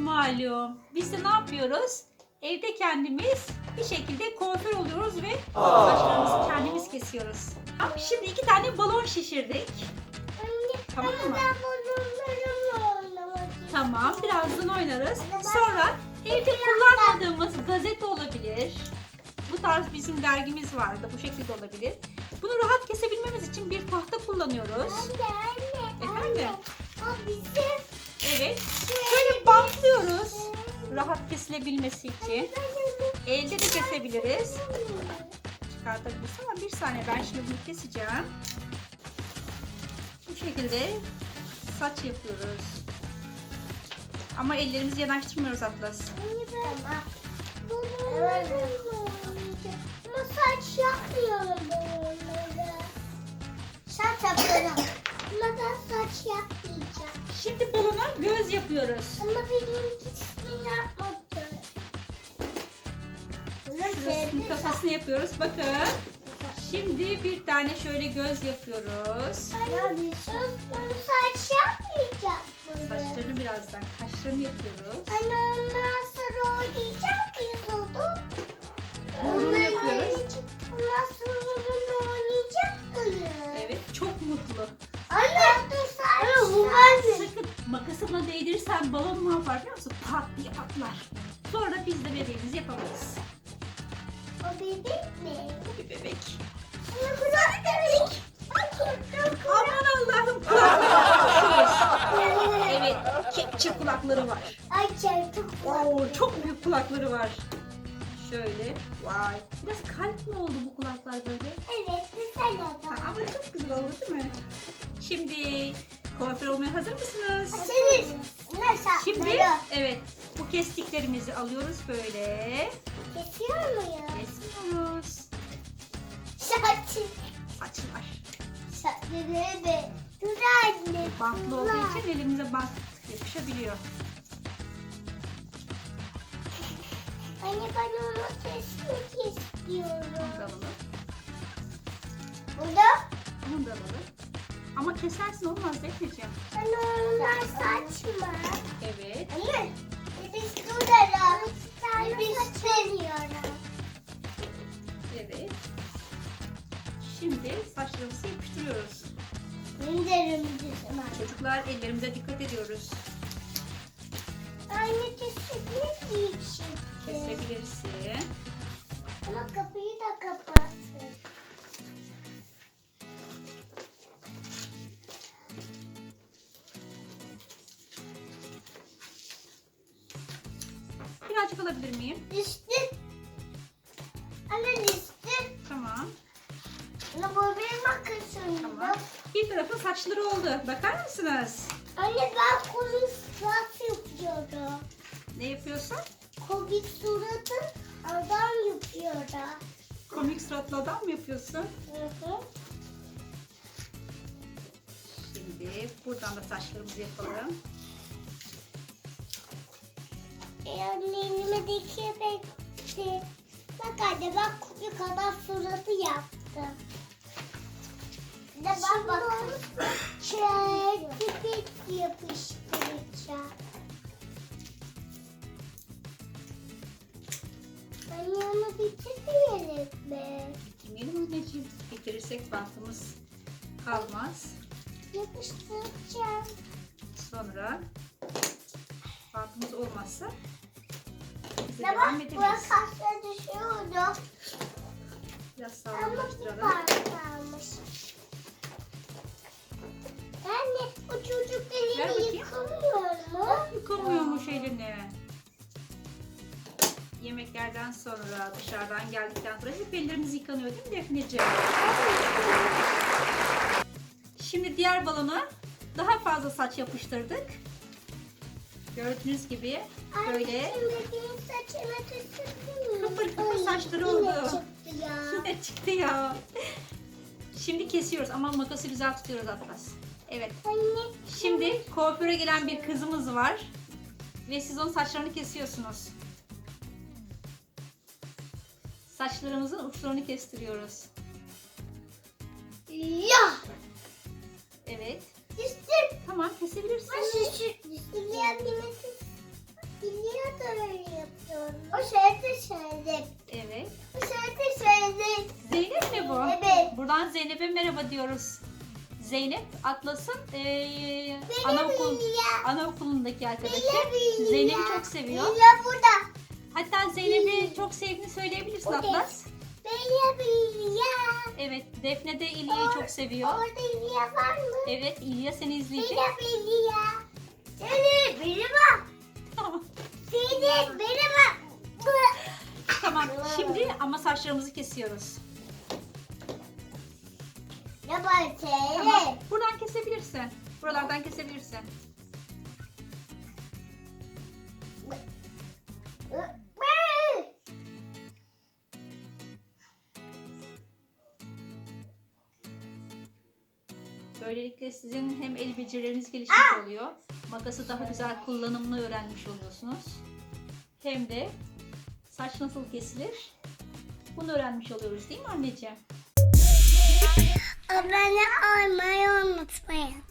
malum. Biz de ne yapıyoruz? Evde kendimiz bir şekilde kuaför oluyoruz ve saçlarımızı kendimiz kesiyoruz. Şimdi 2 tane balon şişirdik. Tamam mı? Ben balonlarımla oynamak istiyorum. Tamam, birazdan oynarız. Sonra evde kullanmadığımız gazete olabilir. Bu tarz bizim dergimiz vardı. Bu şekilde olabilir. Bunu rahat kesebilmemiz için bir tahta kullanıyoruz. Anne. Efendim? O bizim. Evet. Şöyle bantlıyoruz. Rahat kesilebilmesi için. Elde de kesebiliriz. Çıkartabiliriz ama bir saniye, ben şimdi bunu keseceğim. Bu şekilde saç yapıyoruz. Ama ellerimizi yanaştırmıyoruz Atlas. Tamam. Ama saç yapmıyorum bunları. Saç yapıyorum. Ama ben saç yapmayacağım. Şimdi balona göz yapıyoruz. Ama benimkisini yapmadım. Şurasının kafasını yapıyoruz. Bakın. Şimdi bir tane şöyle göz yapıyoruz. Bunu saç yapmayacağım. Saçlarını birazdan, kaşlarını yapıyoruz. Anne ondan sonra oynayacak mıyız onu? Burnunu yapıyoruz. Ondan sonra bunu oynayacak mıyız? Evet, çok mutlu. Anne dur saç. Bu anne. Sakın makası buna değdirirsen balon ne yapar biliyor musun? Pat diye patlar. Sonra biz de bebeğimizi yapamayız. O bebek mi? Bu bir bebek. Anne kulak bebek. Aman Allah'ım, kulakları. Evet, kepçe kulakları var. Ay çarpık. Oo, çok büyük kulakları var. Şöyle, vay. Biraz kalp mi oldu bu kulaklar böyle? Evet güzel Ha, oldu. ama çok güzel oldu değil mi? Şimdi kuaför olmaya hazır mısınız? Senin. Nasıl? Şimdi evet, bu kestiklerimizi alıyoruz böyle. Kesiyor muyum? Kesiyoruz. Saçı. Saçlar. Saçları da. Dur anne. Bantlı olduğu için elimize bant yapışabiliyor. Anne ben onu kesmek istiyorum. Bunu da alalım. Burada? Bunu da alalım. Ama kesersin, olmaz Defneciğim. Anne onlar saç mı? Evet. Anne. Biz duralım. Biz veriyorum. Evet. Şimdi saçlarımızı yapıştırıyoruz. İndirim bizim anne. Çocuklar, ellerimize dikkat ediyoruz. Anne kesinlikle büyük şey. Kesebilirsin. Ama kapıyı da kapattın. Birazcık alabilir miyim? Düştü. Anne düştü. Tamam. Anne bu benim makasım. Tamam. Bir tarafın saçları oldu. Bakar mısınız? Anne ben komik surat yapıyorum. Ne yapıyorsun? Komik suratı adam yapıyorum. Komik suratlı adam mı yapıyorsun? Hı hı. Şimdi buradan da saçlarımızı yapalım. Anne elime dikemekti. Bak anne ben komik adam suratı yaptım. Bir de ben bakalım. Çekip yapıştıracağım. Anne onu bitirmeyelim mi? Bitirmeyelim anneciğim. Bitirirsek bantımız kalmaz. Yapıştıracağım. Sonra bantımız olmazsa bize Ya devam bak edebiliriz. burası aşağı düşüyordu. Biraz Ama bir sağlamlaştıralım. kalmış. Anne o çocuk Ver elini bakayım. yıkamıyor mu? Yıkamıyormuş elini. Yemeklerden sonra, dışarıdan geldikten sonra hep ellerimiz yıkanıyor değil mi Defneciğim? Şimdi diğer balona daha fazla saç yapıştırdık. Gördüğünüz gibi böyle Anne şimdi benim saçıma tüsürdün mü? kıpır kıpır Ay, saçları yine oldu. çıktı ya. Yine çıktı ya. Şimdi kesiyoruz ama makası güzel tutuyoruz Atlas. Evet. Anne Şimdi kuaföre gelen bir kızımız var. Ve siz onun saçlarını kesiyorsunuz. Saçlarımızın uçlarını kestiriyoruz. ya. Evet. Düştüm. Tamam, kesebilirsin. Anne şu üstüne O şarkı söyledik. Evet. O şarkı söyledik. Zeynep mi bu? Evet. Buradan Zeynep'e merhaba diyoruz. Zeynep Atlas'ın Benim anaokulundaki arkadaşı. Benim Zeynep'i ya. çok seviyor. Benim burada. Hatta Zeynep'i çok sevdiğini söyleyebilirsin Okey. Atlas. Benim ya. Evet, Defne de İlya'yı çok seviyor. Orada İlya var mı? Evet, İlya seni izleyecek. Benim İlya. Benim bak. Tamam. Benim bak. Tamam, şimdi ama saçlarımızı kesiyoruz. Ne var Tamam, söyle. buradan kesebilirsin. Buralardan kesebilirsin. Böylelikle sizin hem el becerileriniz gelişmiş oluyor. Makası daha güzel kullanımını öğrenmiş oluyorsunuz. Hem de saç nasıl kesilir bunu öğrenmiş oluyoruz değil mi anneciğim? Abone olmayı unutmayın.